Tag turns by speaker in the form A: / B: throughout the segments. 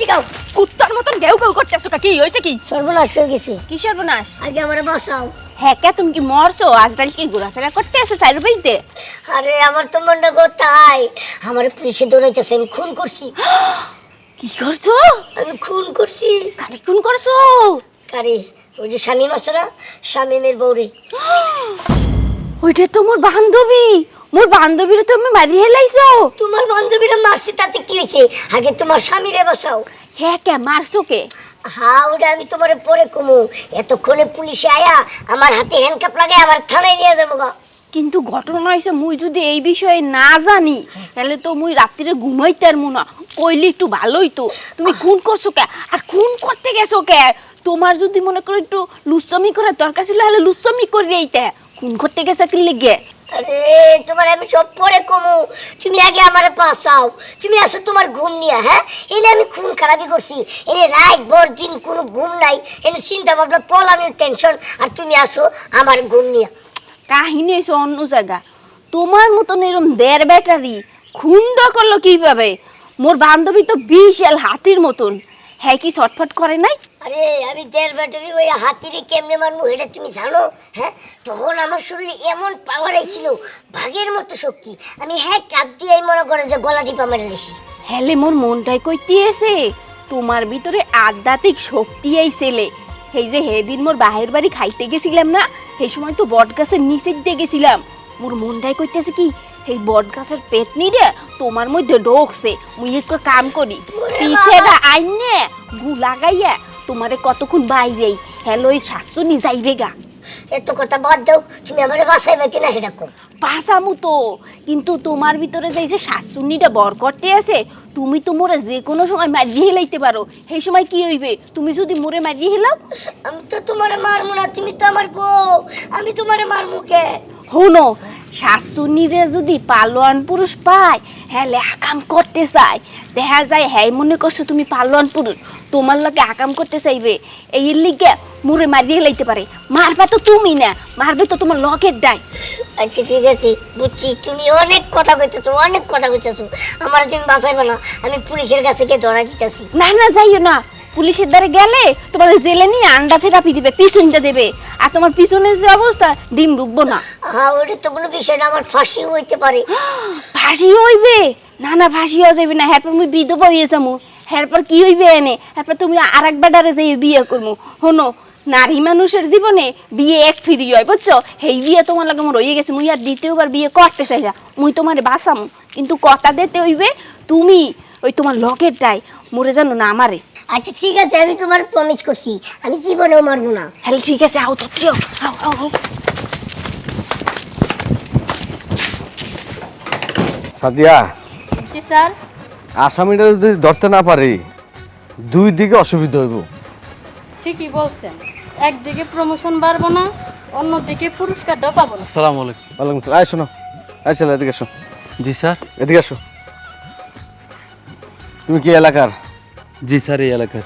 A: গাও
B: কুত্তার মতন গেউ গেউ করতেছো কি হইছে কি
A: সর্বনাশ হয়ে গেছে
B: কি সর্বনাশ
A: আগে আমারে বাঁচাও
B: হ্যাঁ কে তুমি কি মরছো আজরাইল কি ঘোরাফেরা করতে আছে সাইড বাইতে
A: আরে আমার তো মনটা কোথায় আমার পুলিশে দৌড়াইতেছে আমি খুন করছি
B: কি করছো
A: আমি খুন করছি
B: কারে খুন করছো
A: কারে ওই যে শামীম আছে না শামীমের বউরে
B: ওইটা তো মোর বান্ধবীরে তুমি মারি হেলাইছো
A: তোমার বান্ধবীরা মারছে তাতে কি হয়েছে আগে তোমার স্বামীরে বাঁচাও
B: হ্যাঁ কে মারছো কে
A: হ্যাঁ ওটা আমি তোমার পরে কমু এতক্ষণে পুলিশে আয়া আমার হাতে হ্যান্ডকাপ লাগাই আমার থানায় নিয়ে যাবো গা
B: কিন্তু ঘটনা হয়েছে মুই যদি এই বিষয়ে না জানি তাহলে তো মুই রাত্রিরে ঘুমাইতে পারবো না কইলে একটু ভালোই তো তুমি খুন করছো কে আর খুন করতে গেছো কে তোমার যদি মনে করো একটু লুচ্চামি করার দরকার ছিল তাহলে লুচ্চামি করে এইতে খুন করতে গেছে কি লেগে
A: আরে তোমার আমি সব পরে কমু তুমি আগে আমারে বাঁচাও তুমি আসো তোমার ঘুম নিয়ে হ্যাঁ এনে আমি খুন খারাপি করছি এনে রাত ভর দিন কোনো ঘুম নাই এনে চিন্তা ভাবনা পলানোর টেনশন আর তুমি আসো আমার ঘুম নিয়ে
B: কাহিনী হয়েছে অন্য জায়গা তোমার মতন এরকম দেড় ব্যাটারি খুন্ড করলো কিভাবে মোর বান্ধবী তো বিশাল হাতির মতন হ্যাঁ কি ছটফট করে নাই
A: আরে আমি দেড় ব্যাটারি ওই হাতিরে কেমনে মারবো এটা তুমি জানো হ্যাঁ তখন আমার শরীরে এমন পাওয়ার ছিল ভাগের মতো শক্তি আমি হ্যাঁ কাপ দিয়েই মনে করে যে গলা টিপা মেরে লেছি
B: হেলে মোর মনটাই কইতে এসে তোমার ভিতরে আধ্যাত্মিক শক্তি আইছেলে এই যে হেদিন মোর বাহির বাড়ি খাইতে গেছিলাম না সেই সময় তো বট গাছের নিচে দিয়ে গেছিলাম মোর মনটাই কইতেছে কি এই বট গাছের পেতনি রে তোমার মধ্যে ঢোকছে মুই একটু কাম করি পিছেরা আইনে গু লাগাইয়া তোমারে কতক্ষণ বাইরেই হেলো এই শাশুনি যাইবে গা
A: এত কথা বাদ দাও তুমি আমারে বাঁচাইবে কিনা সেটা কর
B: পাসামু তো কিন্তু তোমার ভিতরে যে এই যে শাশুনিটা বর করতে আছে তুমি তো মোরে যে কোনো সময় মারিয়ে হেলাইতে পারো সেই সময় কি হইবে তুমি যদি মোরে মারিয়ে হেলাও
A: আমি তো তোমারে মারমু না তুমি তো আমার বউ আমি তোমারে মারমু কে
B: হনো শাশুনিরে যদি পালোয়ান পুরুষ পায় হ্যাঁ আকাম করতে চায় দেখা যায় হ্যাঁ মনে করছো তুমি পালোয়ান পুরুষ তোমার লগে আকাম করতে চাইবে এই লিগে মুরে মারিয়ে লাইতে পারে মারবা তো তুমি না মারবে তো তোমার লগের ডাই
A: আচ্ছা ঠিক আছে বুঝছি তুমি অনেক কথা কইতেছো আমার তুমি বাঁচাইবে না আমি পুলিশের কাছে গিয়ে ধরা দিতেছি
B: না না যাইও না পুলিশের দ্বারে গেলে তোমার জেলে নিয়ে আন্ডা থেরাপি দিবে পিছনটা দেবে আর তোমার পিছনের যে অবস্থা ডিম ঢুকবো না
A: হ্যাঁ ওটা তো কোনো বিষয় না আমার ফাঁসি হইতে পারে
B: ফাঁসি হইবে না না ফাঁসি হয়ে যাবে না হ্যারপর মুই বিধবা হয়ে যাবো হ্যারপর কি হইবে এনে হ্যারপর তুমি আর এক বেটারে যাই বিয়ে করবো হনো নারী মানুষের জীবনে বিয়ে এক ফিরি হয় বুঝছো সেই বিয়ে তোমার লাগে আমার হয়ে গেছে মুই আর দ্বিতীয়বার বিয়ে করতে চাই না মুই তোমারে বাঁচামু কিন্তু কথা দিতে হইবে তুমি ওই তোমার লগেরটাই মরে জানো না আমারে
A: আচ্ছা ঠিক আছে আমি তোমার প্রমিস করছি আমি জীবনেও মারবো না
B: হ্যাঁ ঠিক আছে আও তো প্রিয় আও
C: সাদিয়া
D: জি স্যার
C: আসামিটা যদি ধরতে না পারি দুই দিকে অসুবিধা হইব
D: ঠিকই বলছেন একদিকে প্রমোশন বাড়বো না অন্যদিকে পুরস্কারটাও পাবো না
E: আসসালামু আলাইকুম।
C: ওয়ালাইকুম আসসালাম। আয় শোনো আয় চলো এদিকে এসো
E: জি স্যার।
C: এদিকে এসো তুমি কি এলাকার
E: জি স্যার, এই এলাকার।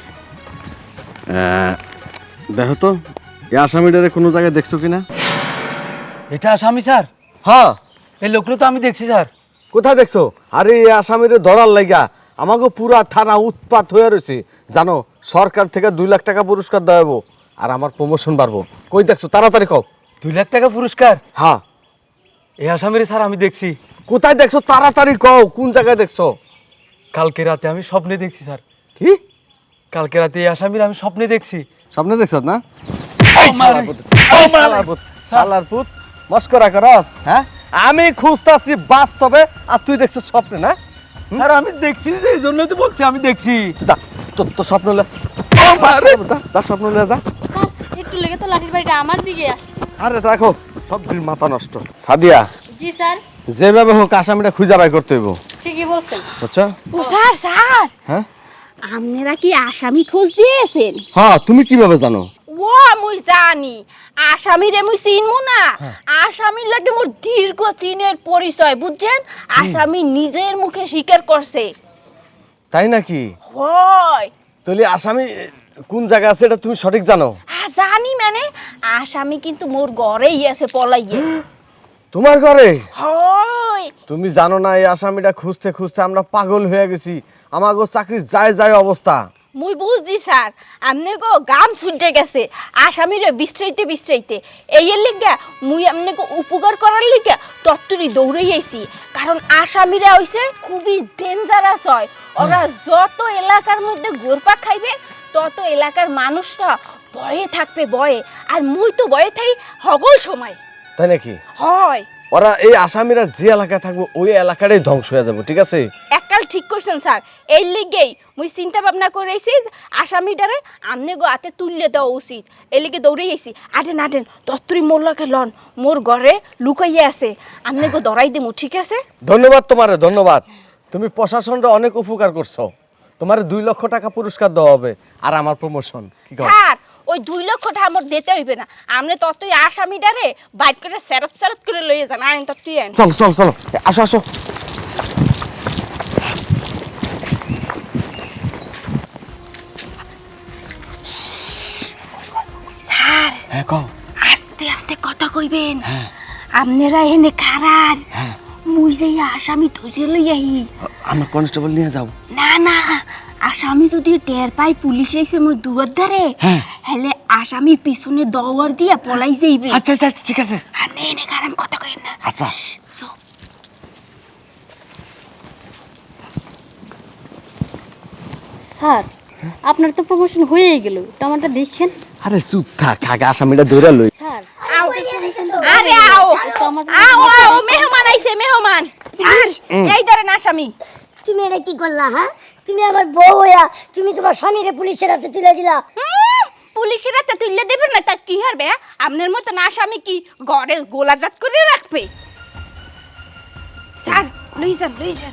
C: দেখো তো এই আসামিটারে কোনো জায়গায় দেখছো কিনা
E: এটা আসামি স্যার?
C: হ্যাঁ
E: এই লোকটা তো আমি দেখছি স্যার।
C: কোথায় দেখছো? আরে এই আসামিরে ধরার লাগা আমাকে পুরা থানা উৎপাত হয়ে রয়েছে জানো। সরকার থেকে 2 লাখ টাকা পুরস্কার দেওয়াবো আর আমার প্রমোশন বাড়বো। কই দেখছো তাড়াতাড়ি কও।
E: 2 লাখ টাকা পুরস্কার?
C: হ্যাঁ।
E: এই আসামিরে স্যার আমি দেখছি।
C: কোথায় দেখছো তাড়াতাড়ি কও, কোন জায়গায় দেখছো?
E: কালকে রাতে আমি স্বপ্নে দেখছি স্যার।
C: কি?
E: কালকে রাতে এই আসামির আমি স্বপ্নে দেখছি।
C: স্বপ্নে দেখছ না? শালার পুত মস্করা করস? হ্যাঁ আমি খুঁজতাছি বাস্তবে আর তুই দেখছিস স্বপ্নে না?
E: স্যার আমি দেখছি, এই জন্যই তো বলছি আমি দেখছি।
C: যা তো স্বপ্ন লে যা স্বপ্ন লে যা।
D: স্যার একটু লেগে তো লাঠির বাড়িটা আমার দিকে আসছে।
C: আরে দেখো সব দিন মাথা নষ্ট। সাদিয়া
D: জি স্যার।
C: যেভাবে হোক আসামিটা খুঁজে বাই করতে হইব
D: ঠিকই বলছেন।
C: বুঝছো?
B: ও স্যার স্যার
C: হ্যাঁ
B: আপনারা কি আসামি খোঁজ দিয়েছেন?
C: হ্যাঁ তুমি কিভাবে জানো?
B: ও মুই জানি আসামিরে মুই চিনমু না। আসামির লাগে মোর দীর্ঘ দিনের পরিচয় বুঝছেন। আসামি নিজের মুখে স্বীকার করছে।
C: তাই নাকি?
B: হয়
C: তাহলে আসামি কোন জায়গা আছে এটা তুমি সঠিক জানো?
B: জানি মানে আসামি কিন্তু মোর ঘরেই আছে পলাইয়ে।
C: তোমার ঘরে?
B: হয় কই
C: তুমি জানো না এই আসামিটা খুঁজতে খুঁজতে আমরা পাগল হয়ে গেছি, আমাগো চাকরির যায় যায় অবস্থা।
B: মুই বুঝছি স্যার, আমনে গো গাম ছুটে গেছে আসামিরে বিস্তারিতে এই এর লিগা মুই আমনে গো উপকার করার লিগা তত্তরি দৌড়াই আইছি। কারণ আসামিরা হইছে খুবই ডেঞ্জারাস হয়, ওরা যত এলাকার মধ্যে ঘুরপাক খাইবে তত এলাকার মানুষরা ভয়ে থাকবে, ভয়ে। আর মুই তো ভয়ে থাই হগল সময়।
C: তাই নাকি?
B: হয়
C: ওরা এই আসামিরা যে এলাকায় থাকবে ওই এলাকাটাই ধ্বংস হয়ে যাবে, ঠিক আছে?
B: এককাল ঠিক করছেন স্যার, এই লিগেই মুই চিন্তা ভাবনা করেছি আসামিটারে আমনে গো হাতে তুললে দেওয়া উচিত, এই লিগে দৌড়ে আইছি। আটেন আটেন দত্তরি মোর লগে লন, মোর ঘরে লুকাইয়া আছে, আমনে গো ধরাই দেবো, ঠিক আছে?
C: ধন্যবাদ তোমারে, ধন্যবাদ। তুমি প্রশাসনরা অনেক উপকার করছো, তোমার 2 লক্ষ টাকা পুরস্কার দেওয়া হবে আর আমার প্রমোশন।
B: স্যার ওই 2 লক্ষ টাকা আমার দিতে হইবে না, আমনে ততই আসামিটারে বাইট করে সেরত করে লইয়ে যান। আইন ততই আইন।
C: চল চল চলো, আসো আসো।
B: স্যার
C: হ্যাঁ কও।
B: আস্তে আস্তে কথা কইবেন, আপনারা এনে খারার মুই যাই আসামি ধরে লইয়াই।
C: আমরা কনস্টেবল নিয়ে যাও।
B: না না, আসামি যদি টের পাই পুলিশ এসে মোর দুয়ার ধারে, হেলে আসামি পিছনে দৌড় দিয়া পলাই যাইবে।
C: আচ্ছা আচ্ছা ঠিক আছে।
B: আর নে নে কারণ কথা কইন না।
C: আচ্ছা
D: স্যার আপনার তো প্রমোশন হয়েই গেল, টমাটো দেখেন।
C: আরে চুপ থাক, আগে আসামিটা ধরে লই।
D: স্যার
B: আরে আও আও আও, মেহমান আইছে মেহমান। স্যার এই ধরেন আসামি।
A: তুমি এটা কি করলা? হ্যাঁ, তুমি আমার বউ হইয়া তুমি তোমার স্বামীরে পুলিশের হাতে তুলে দিলা।
B: পুলিশের হাতে তুললে দেবেন না, তা কি হারবে? আপনার মতন আসামি কি ঘরে গোলাজাত করে রাখবে? স্যার লই যান লই যান।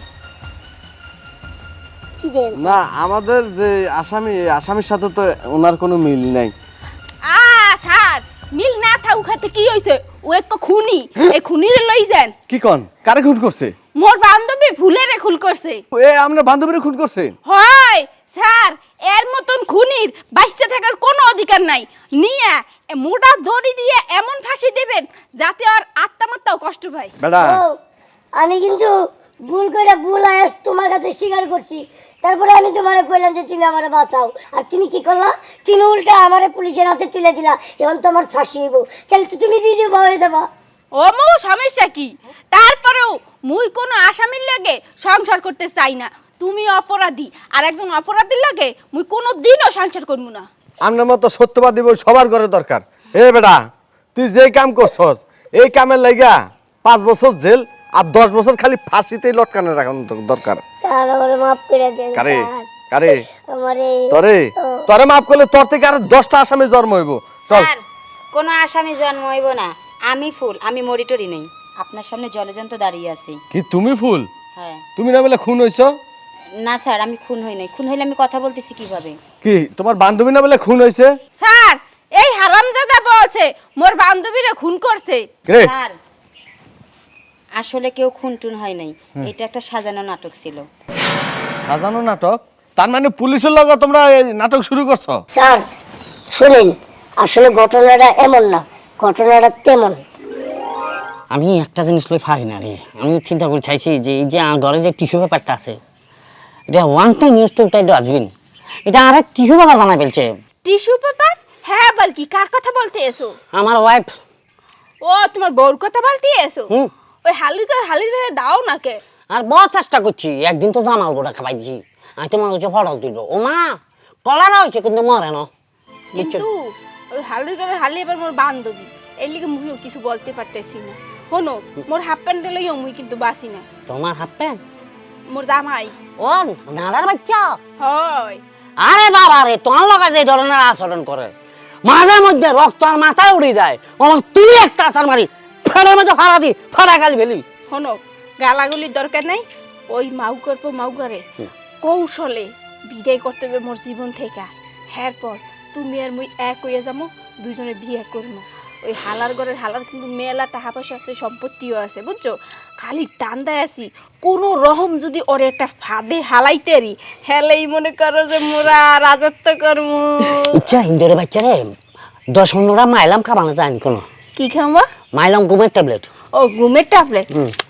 A: কি দেন?
C: না, আমাদের যে আসামির সাথে তো ওনার কোনো মিল নাই।
B: স্যার মিল না থাউ খাতে কি হইছে? ও এক খুনি, এই খুনিরে লই যান।
C: কি কোন? কারে খুন করছে?
B: মোর বান্ধবী ভুলেরে খুন করছে।
C: এ আমরা বান্ধবীরে খুন করছে?
B: হয় স্যার, এর মতন খুনির বাঁচতে থাকার কোনো অধিকার নাই। নিয়ে মোটা দড়ি দিয়ে এমন ফাঁসি দেবেন যাতে আর আত্মামাত্মাও কষ্ট পায়।
C: বেটা
A: বউ, আমি কিন্তু ভুল করে ভুল আয়াস তোমার কাছে স্বীকার করছি, তারপরে আমি তোমারে কইলাম যে তুমি আমারে বাঁচাও, আর তুমি কি করলা? তুমি উল্টা আমারে পুলিশের হাতে তুলে দিলা। এখন তোমার ফাঁসি হইব, তাহলে তো তুমি বিধবা হয়ে যাবা।
B: ও মৌ সমস্যা কি? তারপরেও মুই কোনো আসামির লাগে সংসার করতে চাই না। তুমি অপরাধী, আর একজন অপরাধীর লাগে মুই কোনো দিনও সংসার করবো না।
C: আপনার মতো সত্যবাদী বই সবার ঘরে দরকার। এ বেটা, তুই যে কাম করছস এই কামের লাগা 5 বছর জেল আর 10 বছর খালি ফাঁসিতেই লটকানো রাখানো দরকার।
A: স্যার আমারে মাফ করে দেন।
C: কারে
A: স্যার,
C: কারে?
A: আমারে
C: তোরে মাফ করলে তোর থেকে আর 10টা আসামি জন্ম হইব। চল।
F: স্যার কোনো আসামি জন্ম হইব না, আমি ফুল, আমি মরিটরি নেই, আপনার সামনে জলজন্ত দাঁড়িয়ে আছি।
C: কি তুমি ফুল?
F: হ্যাঁ।
C: তুমি না বলে খুন হইছ?
F: না স্যার আমি খুন হই নাই, খুন হইলে আমি কথা বলতেছি কিভাবে?
C: কি তোমার বান্ধবী না বলে খুন হইছে?
B: স্যার এই হারামজাদা বলছে মোর বান্ধবীরে খুন করছে।
C: রে
F: স্যার আসলে কেউ খুন টুন হয় নাই, এটা একটা সাজানো নাটক ছিল।
C: সাজানো নাটক? তার মানে পুলিশের লগে তোমরা এই নাটক শুরু করছো?
A: স্যার শুনেন, আসলে ঘটনাটা এমন না, ঘটনাটা তেমন।
G: আমি একটা জিনিস লই পারি না রে। আমি চিন্তা করে চাইছি যে এই যে ঘরে যে টিস্যু পেপারটা আছে, এটা one time use two time dustbin, এটা আর টিস্যু পেপার বানাই ফেলছে।
B: Tissue paper? হ্যাঁ আবার কি, কার কথা বলতে এসো?
G: আমার ওয়াইফ।
B: ও তোমার বউর কথা বলতে এসো?
G: হুম।
B: ওই হালি রে দাও না কে?
G: আর বড় চেষ্টা করছি, একদিন তো জামাল গোটা খাবাই দিছি, আমি তোমার হচ্ছে ফটো দিল, ও মা কলারা হয়েছে কিন্তু মরে না।
B: কিন্তু ওই হালি এবার মোর বান্ধবী, এর লিগে মুইও কিছু বলতে পারতেছি না। শোনো, মোর হাফ প্যান্ট লইও মুই কিন্তু বাসি না।
G: তোমার হাফ প্যান্ট?
B: মোর জামাই।
G: ও নাড়ার বাচ্চা?
B: হয়।
G: আরে বাবা রে, তোমার লগা যে ধরনের আচরণ করে, মাঝে মধ্যে রক্ত আর মাথায় উড়ে যায়, আমার তুই একটা আসার মারি ফেরার মধ্যে ফাড়া দি ফাড়া গালি ফেলি।
B: শোনো, গালাগুলির দরকার নাই, ওই মাউগারে কৌশলে বিদায় করতে হবে মোর জীবন থেকে। এরপর তুমি আর মুই এক হইয়া যাবো, দুইজনে বিয়ে করবো। ওই হালার ঘরের হালার কিন্তু মেলা টাকা পয়সা আছে, সম্পত্তিও আছে, বুঝছো? খালি টান্দায় আছি, কোনো রকম যদি ওরে একটা ফাঁদে হালাইতে রি, হেলেই মনে করো যে মোরা রাজত্ব করবো।
G: ইচ্ছা ইন্দোরে বাচ্চা রে 10-15টা মাইলাম খাবানো যায়নি কোনো।
B: কি খাওয়া?
G: মাইলাম ঘুমের ট্যাবলেট।
B: ও ঘুমের ট্যাবলেট?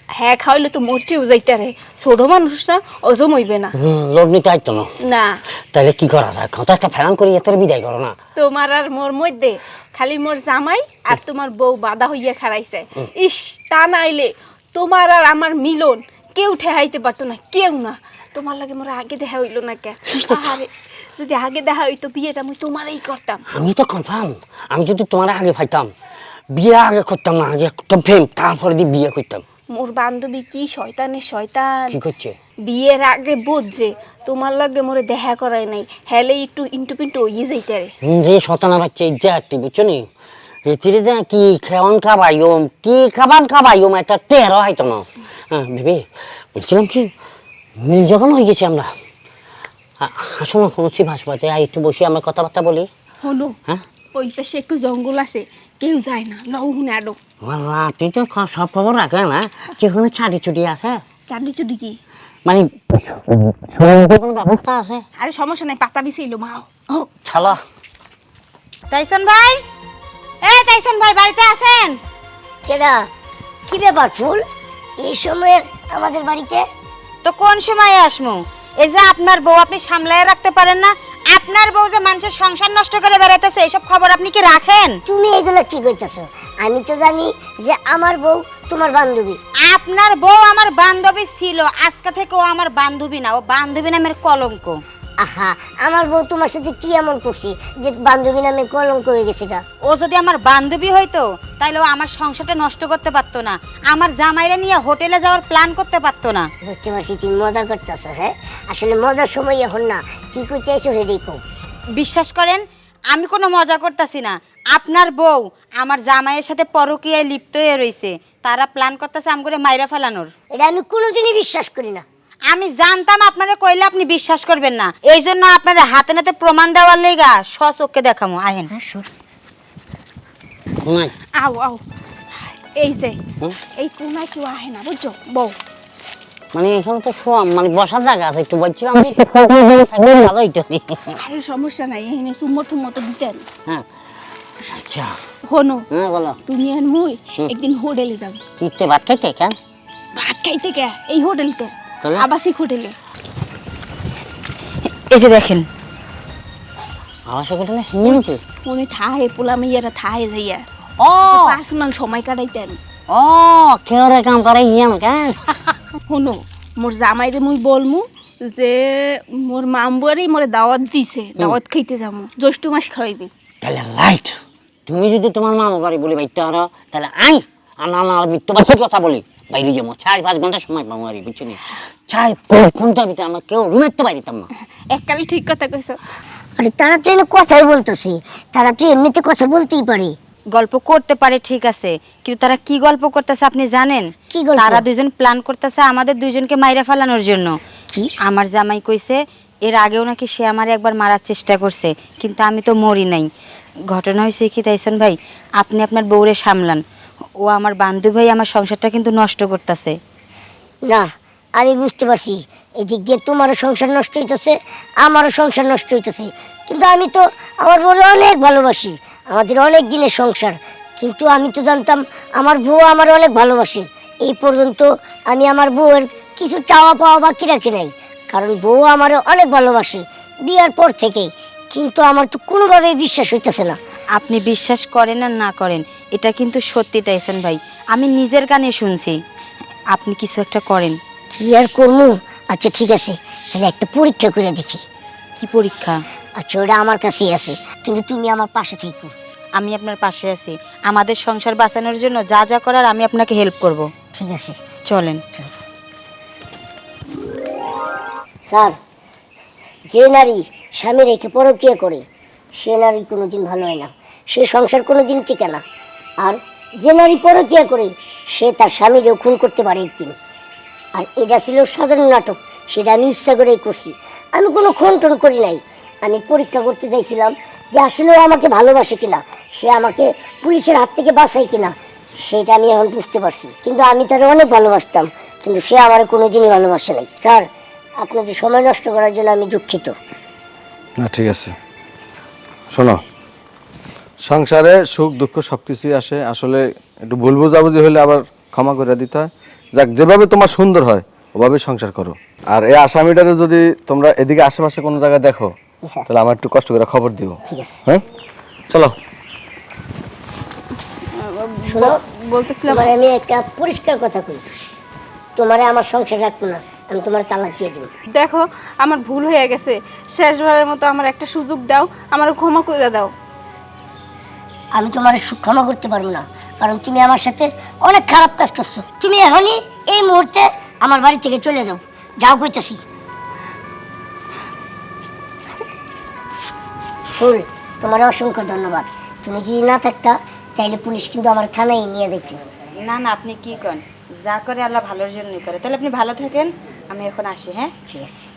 B: হ্যাঁ খাওয়াইলে তো মরচেও যাইতে রে, ছোট মানুষ না, অজম হইবে না।
G: লোক নিতে আইতো না।
B: না
G: তাহলে কি করা যায়, কত একটা ফেরান করি এতে বিদায় করো না।
B: তোমার আর মোর মধ্যে খালি মোর জামাই আর তোমার বউ বাধা হইয়া খারাইছে। ইস, তা নাইলে তোমার আর আমার মিলন কেউ ঠেহাইতে পারতো না, কেউ না। তোমার লাগে মোর আগে দেখা হইলো না কে? আরে যদি আগে দেখা হইতো বিয়েটা আমি তোমারই করতাম।
G: আমি তো কনফার্ম, আমি যদি তোমার আগে পাইতাম বিয়ে আগে করতাম না, আগে করতাম প্রেম, তারপরে দিয়ে বিয়ে করতাম।
B: মোর বান্ধবী কি শয়তানের শয়তান,
G: কি করছে?
B: বিয়ের আগে বুঝছে তোমার লাগে মোরে দেখা করাই নাই, হেলে একটু ইন্টু পিন্টু হইয়ে যাইতে রে।
G: যে শতানা বাচ্চা ইজ্জা একটি বুঝছো নি, এতিরে যে কি খেওয়ান খাবাইম, কি খাবান খাবাইম, এটা টেরো হয়তো না। হ্যাঁ ভেবে বলছিলাম কি, নীল যখন হয়ে গেছি আমরা, আসো না কোনো সিভাস বাজে, একটু বসে আমরা কথাবার্তা বলি।
B: হলো
G: হ্যাঁ
B: ওই পাশে একটু জঙ্গল আছে, কেউ যায় না, লও হুনে আডো।
G: তুই তো সব খবর রাখে না, যেখানে ছাড়ি ছুটি আছে,
B: চাঁদি চুটি কি
G: মানে কোনো ব্যবস্থা আছে?
B: আরে সমস্যা নাই, পাতা বিছিল মা। ও
G: চলো।
F: তাইসন ভাই, তাইসন ভাই বাড়িতে আছেন?
A: কেডা? কি ব্যাপার ফুল এই সময়ে আমাদের বাড়িতে?
F: তো কোন সময়ে আসমু? এই যে আপনার বউ আপনি সামলায় রাখতে পারেন না, আপনার বউ যে মানুষের সংসার নষ্ট করে বেড়াইতেছে, এইসব খবর আপনি কি রাখেন?
A: তুমি এগুলো কি কইতাছো? আমি তো জানি যে আমার বউ তোমার বান্ধবী।
F: আপনার বউ আমার বান্ধবী ছিল, আজকে থেকে ও আমার বান্ধবী না, ও বান্ধবী নামের কলঙ্ক।
A: আহা, আমার বউ তোমার সাথে কি এমন করছি যে বান্ধবী নামে কলঙ্ক হয়ে গেছে গা?
F: ও যদি আমার বান্ধবী হইতো তাহলে ও আমার সংসারটা নষ্ট করতে পারতো না, আমার জামাইরা নিয়ে হোটেলে যাওয়ার প্ল্যান করতে পারতো না।
A: বুঝতে পারছি তুমি মজা করতেছো। হ্যাঁ, আসলে মজার সময় এখন না, কি করতে এসো হেডেই কও।
F: বিশ্বাস করেন আমি কোনো মজা করতেছি না, আপনার বউ আমার জামাইয়ের সাথে পরকীয়ায় লিপ্ত হয়ে রয়েছে, তারা প্ল্যান করতেছে আম করে মাইরা ফেলানোর।
A: এটা আমি কোনোদিনই বিশ্বাস করি না।
F: আমি জানতাম আপনারা কইলে আপনি বিশ্বাস করবেন না, এই জন্য আপনারা হাতে নাতে প্রমাণ দেওয়ার লেগা সচক্ষে দেখামো। আহেন।
G: কোনায়
B: আও আও, এই যে এই কোনায় কেউ আহে না বুঝছো বউ।
G: মানে এখানে তো শোয়া মানে বসার জায়গা আছে, একটু বলছিলাম ভালো হইতো।
B: আরে সমস্যা নাই, এখানে সুম্মর টুম্মর তো দিতেন।
G: হ্যাঁ আচ্ছা,
B: হনো
G: হ্যাঁ বলো।
B: তুমি আর মুই একদিন হোটেলে যাব।
G: কিনতে ভাত খাইতে কেন?
B: ভাত খাইতে কে? এই হোটেলতে,
G: তাহলে?
B: আবাসিক হোটেলে।
F: এই যে দেখেন,
G: আবাসিক হোটেলে নিয়ে কি?
B: উনি থাহে পোলা মেয়েরা থাহে যাইয়া
G: ও
B: পার্সোনাল সময় কাটাইতেন।
G: ও কেউরে কাম করে ইয়ে না কেন?
B: হনো মোর জামাইরে মুই বলমু যে মোর মামবুয়ারি মোরে দাওয়াত দিছে, দাওয়াত খাইতে যাবো, জ্যৈষ্ঠ মাস খাওয়াইবে।
G: তাহলে রাইট, তুমি যদি তোমার মামা বাড়ি বলে বাইতে হারো তাহলে আই আর না মৃত্যুবাসীর কথা বলি বাইরে যাবো, 4-5 ঘন্টা সময় পাবো আর বুঝছো নি, 4-5 ঘন্টার ভিতরে আমরা কেউ রুমের তো বাইরে না।
B: এককালে ঠিক কথা কইছো।
A: আরে তারা তো এনে কথাই বলতেছে, তারা তো এমনিতে কথা বলতেই পারে।
F: গল্প করতে পারে ঠিক আছে, কিন্তু তারা কি গল্প করতেছে আপনি জানেন?
A: কি গল্প?
F: তারা দুইজন প্ল্যান করতেছে আমাদের দুইজনকে মাইরা ফেলানোর জন্য।
A: কি?
F: আমার জামাই কইছে এর আগেও নাকি সে আমারে একবার মারার চেষ্টা করছে, কিন্তু আমি তো মরি নাই। ঘটনা হয়েছে কি তাইসন ভাই, আপনি আপনার বউরে সামলান, ও আমার বান্ধবী ভাই আমার সংসারটা কিন্তু নষ্ট করতেছে।
A: না, আমি বুঝতে পারছি এই দিক দিয়ে তোমারও সংসার নষ্ট হইতেছে, আমারও সংসার নষ্ট হইতেছে, কিন্তু আমি তো আমার বউরে অনেক ভালোবাসি, আমাদের অনেক দিনের সংসার। কিন্তু আমি তো জানতাম আমার বউ আমার অনেক ভালোবাসে। এই পর্যন্ত আমি আমার বউয়ের কিছু চাওয়া পাওয়া বাকি রাখি নাই, কারণ বউ আমার অনেক ভালোবাসে বিয়ার পর থেকেই। কিন্তু আমার তো কোনোভাবেই বিশ্বাস হইতেছে না।
F: আপনি বিশ্বাস করেন আর না করেন, এটা কিন্তু সত্যি তাইসন ভাই, আমি নিজের কানে শুনছি। আপনি কিছু একটা করেন।
A: কি আর করবো? আচ্ছা ঠিক আছে, তাহলে একটা পরীক্ষা করে দেখি।
F: কি পরীক্ষা?
A: আচ্ছা ওটা আমার কাছেই আছে, কিন্তু তুমি আমার পাশে থেকো।
F: আমি আপনার পাশে আছি, আমাদের সংসার বাঁচানোর জন্য যা যা করার আমি আপনাকে হেল্প করব।
A: ঠিক আছে
F: চলেন।
A: স্যার, যে নারী স্বামী রেখে পরকীয়া করে সে নারী কোনোদিন ভালো হয় না, সে সংসার কোনোদিন টিকে না। আর যে নারী পরকীয়া করে সে তার স্বামীকেও খুন করতে পারে একদিন। আর এটা ছিল সাধারণ নাটক, সেটা আমি ইচ্ছা করেই করছি, আমি কোনো খুন টুন করি নাই। আমি পরীক্ষা করতে চাইছিলাম যে আসলে ও আমাকে ভালোবাসে কিনা, সে আমাকে পুলিশের হাত থেকে বাঁচায় কিনা, সেটা আমি এখন বুঝতে পারছি। কিন্তু আমি তার অনেক ভালোবাসতাম, কিন্তু সে আমার কোনোদিনই ভালোবাসে নাই। স্যার, আপনাদের সময় নষ্ট করার জন্য আমি দুঃখিত।
C: না ঠিক আছে, শোনো, সংসারে সুখ দুঃখ সব কিছুই আসে, আসলে একটু ভুল বোঝাবুঝি হলে আবার ক্ষমা করে দিতে হয়। যাক, যেভাবে তোমার সুন্দর হয় ওভাবে সংসার করো। আর এই আসামিটারে যদি তোমরা এদিকে আশেপাশে কোনো জায়গায় দেখো
A: স্যার।
C: তাহলে আমার একটু কষ্ট করে খবর দিও।
A: ঠিক আছে।
C: হ্যাঁ, চলো।
A: শোনো,
B: বলতেছিলাম
A: তোমার আমি একটা পরিষ্কার কথা কই, তোমারে আমার সংসার রাখবো না, আমি তোমার তালাক দিয়ে দেবো।
B: দেখো আমার ভুল হয়ে গেছে, শেষবারের মতো আমার একটা সুযোগ দাও, আমার ক্ষমা করে দাও।
A: আমি তোমার ক্ষমা করতে পারবো না, কারণ তুমি আমার সাথে অনেক খারাপ কাজ করছো। তুমি এখনই এই মুহূর্তে আমার বাড়ি থেকে চলে যাও, যাও কইতাছি। ফুল, তোমার অসংখ্য ধন্যবাদ। তুমি যদি না থাকতা তাইলে পুলিশ কিন্তু আমার থানায় নিয়ে দেখতো।
F: না না, আপনি কি করেন, যা করে আল্লাহ ভালোর জন্যই করে। তাহলে আপনি ভালো থাকেন, আমি এখন আসি। হ্যাঁ,
A: ঠিক আছে।